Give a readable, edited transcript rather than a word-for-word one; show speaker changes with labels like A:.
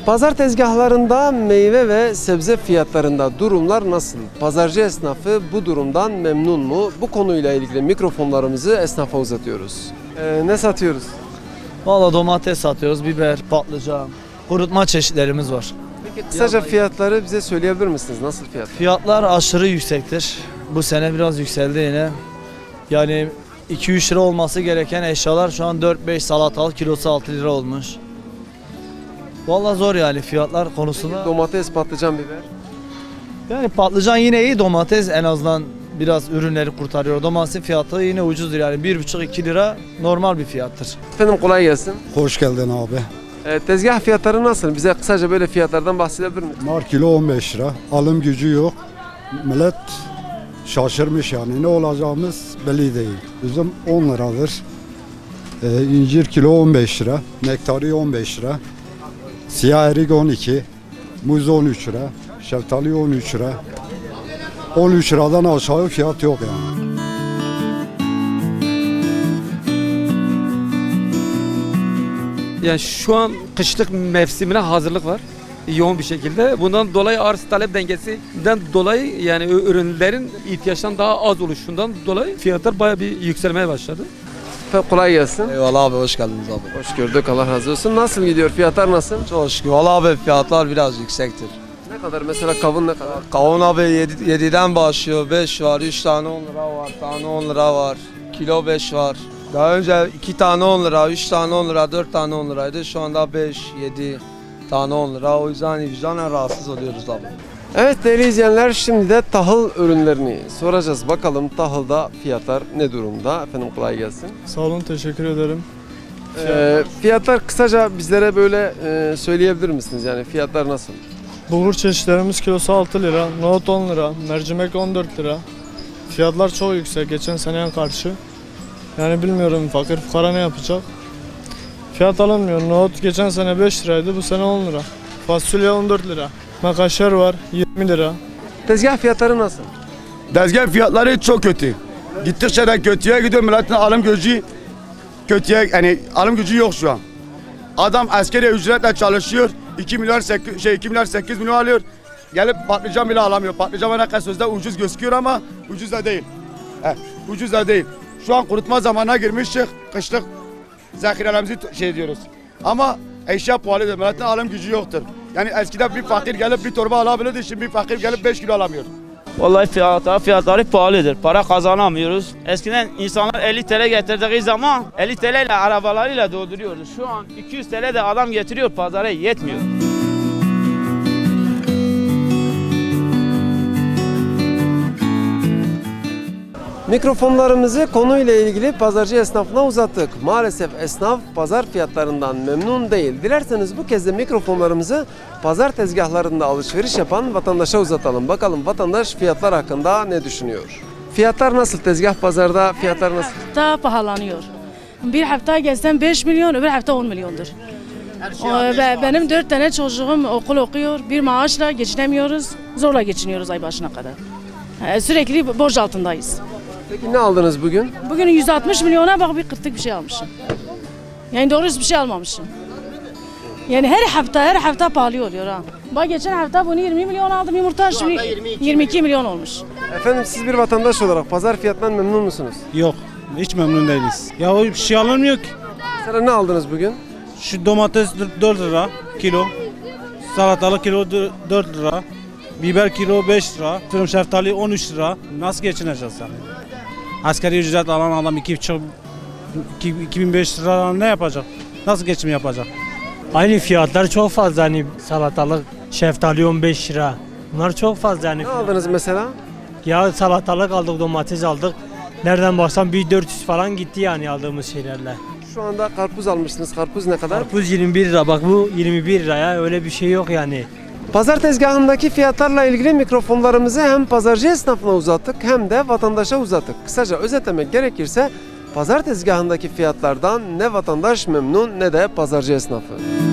A: Pazar tezgahlarında meyve ve sebze fiyatlarında durumlar nasıl? Pazarcı esnafı bu durumdan memnun mu? Bu konuyla ilgili mikrofonlarımızı esnafa uzatıyoruz. Ne satıyoruz?
B: Valla domates satıyoruz, biber, patlıcan, kurutma çeşitlerimiz var.
A: Peki kısaca fiyatları bize söyleyebilir misiniz? Nasıl fiyatlar?
B: Fiyatlar aşırı yüksektir. Bu sene biraz yükseldi yine. Yani 2-3 lira olması gereken eşyalar şu an 4-5, salatalık kilosu 6 lira olmuş. Valla zor yani fiyatlar konusunda.
A: Domates, patlıcan, biber.
B: Yani patlıcan yine iyi, domates en azından biraz ürünleri kurtarıyor. Domatesin fiyatı yine ucuzdur yani 1,5-2 lira normal bir fiyattır.
A: Efendim kolay gelsin.
C: Hoş geldin abi.
A: Tezgah fiyatları nasıl? Bize kısaca böyle fiyatlardan bahsedebilir misiniz?
C: Nar kilo 15 lira. Alım gücü yok. Millet şaşırmış yani. Ne olacağımız belli değil. Üzüm 10 liradır. İncir kilo 15 lira. Nektari 15 lira. Siyah erik 12. Muz 13 lira. Şeftali 13 lira. 13 liradan aşağı fiyat yok yani.
D: Yani şu an kışlık mevsimine hazırlık var yoğun bir şekilde. Bundan dolayı arz talep dengesinden dolayı yani ürünlerin ihtiyaçtan daha az oluşundan dolayı fiyatlar bayağı bir yükselmeye başladı.
A: Efendim kolay gelsin.
B: Eyvallah abi, hoş geldiniz abi.
A: Hoş gördük. Allah razı olsun. Nasıl gidiyor? Fiyatlar nasıl?
B: Çok şükür. Valla abi fiyatlar biraz yüksektir.
A: Ne kadar? Mesela kavun ne kadar?
B: Kavun abi 7'den başlıyor. 5 var, 3 tane 10 lira var, tane 10 lira var, kilo 5 var. Daha önce 2 tane 10 lira, 3 tane 10 lira, 4 tane 10 liraydı. Şu anda 5, 7 tane 10 lira. O yüzden vicdanen rahatsız oluyoruz abi.
A: Evet değerli izleyenler, şimdi de tahıl ürünlerini soracağız. Bakalım tahılda fiyatlar ne durumda? Efendim kolay gelsin.
E: Sağ olun, teşekkür ederim.
A: Fiyatlar kısaca bizlere böyle söyleyebilir misiniz? Yani fiyatlar nasıl?
E: Bulgur çeşitlerimiz kilosu 6 lira, nohut 10 lira, mercimek 14 lira. Fiyatlar çok yüksek geçen seneye karşı. Yani bilmiyorum fakir fukara ne yapacak. Fiyat alınmıyor. Nohut geçen sene 5 liraydı, bu sene 10 lira. Fasulye 14 lira. Makaşer var 20 lira.
A: Tezgah fiyatları nasıl?
F: Tezgah fiyatları çok kötü. Gittikçe de kötüye gidiyor. Milletin alım gücü kötüye, yani alım gücü yok şu an. Adam askeri ücretle çalışıyor. 2 milyar 8 milyon alıyor. Gelip patlıcan bile alamıyor. Patlıcan ne kadar sözde ucuz gözüküyor ama ucuz da değil. Ucuz da değil. Şu an kurutma zamanına girmiştik. Kışlık zahirelerimizi diyoruz. Ama eşya pahalıdır. Milletin alım gücü yoktur. Yani eskiden bir fakir gelip bir torba alabilirdi. Şimdi bir fakir gelip 5 kilo alamıyor.
G: Vallahi fiyatları pahalıdır. Para kazanamıyoruz. Eskiden insanlar 50 TL getirdiği zaman 50 TL ile arabalarıyla dolduruyordu. Şu an 200 TL de adam getiriyor, pazara yetmiyor.
A: Mikrofonlarımızı konuyla ilgili pazarcı esnafına uzattık. Maalesef esnaf pazar fiyatlarından memnun değil. Dilerseniz bu kez de mikrofonlarımızı pazar tezgahlarında alışveriş yapan vatandaşa uzatalım. Bakalım vatandaş fiyatlar hakkında ne düşünüyor? Fiyatlar nasıl? Tezgah pazarda fiyatlar nasıl?
H: Hafta pahalanıyor. Bir hafta gezsem 5 milyon, öbür hafta 10 milyondur. Benim 4 tane çocuğum okul okuyor. Bir maaşla geçinemiyoruz. Zorla geçiniyoruz ay başına kadar. Sürekli borç altındayız.
A: Peki ne aldınız bugün?
H: Bugün 160 milyona bak bir kırtık bir şey almışım. Yani doğru bir şey almamışım. Yani her hafta pahalı oluyor ha. Bak geçen hafta bunu 20 milyon aldım yumurta, şimdi 22 milyon olmuş.
A: Efendim siz bir vatandaş olarak pazar fiyatından memnun musunuz?
I: Yok, hiç memnun değiliz. Ya o bir şey alınmıyor ki.
A: Mesela ne aldınız bugün?
I: Şu domates 4 lira kilo, salatalık kilo 4 lira, biber kilo 5 lira, fırın şeftali 13 lira. Nasıl geçineceğiz yani? Asgari ücret alan adam 2500 lira ne yapacak? Nasıl geçim yapacak?
J: Aynı fiyatlar çok fazla, hani salatalık, şeftali 15 lira. Bunlar çok fazla yani.
A: Ne aldınız mesela?
J: Ya salatalık aldık, domates aldık. Nereden baksan bir 400 falan gitti yani aldığımız şeylerle.
A: Şu anda karpuz almışsınız. Karpuz ne kadar?
J: Karpuz 21 lira, bak bu 21 liraya, öyle bir şey yok yani.
A: Pazar tezgahındaki fiyatlarla ilgili mikrofonlarımızı hem pazarcı esnafına uzattık hem de vatandaşa uzattık. Kısaca özetlemek gerekirse pazar tezgahındaki fiyatlardan ne vatandaş memnun ne de pazarcı esnafı.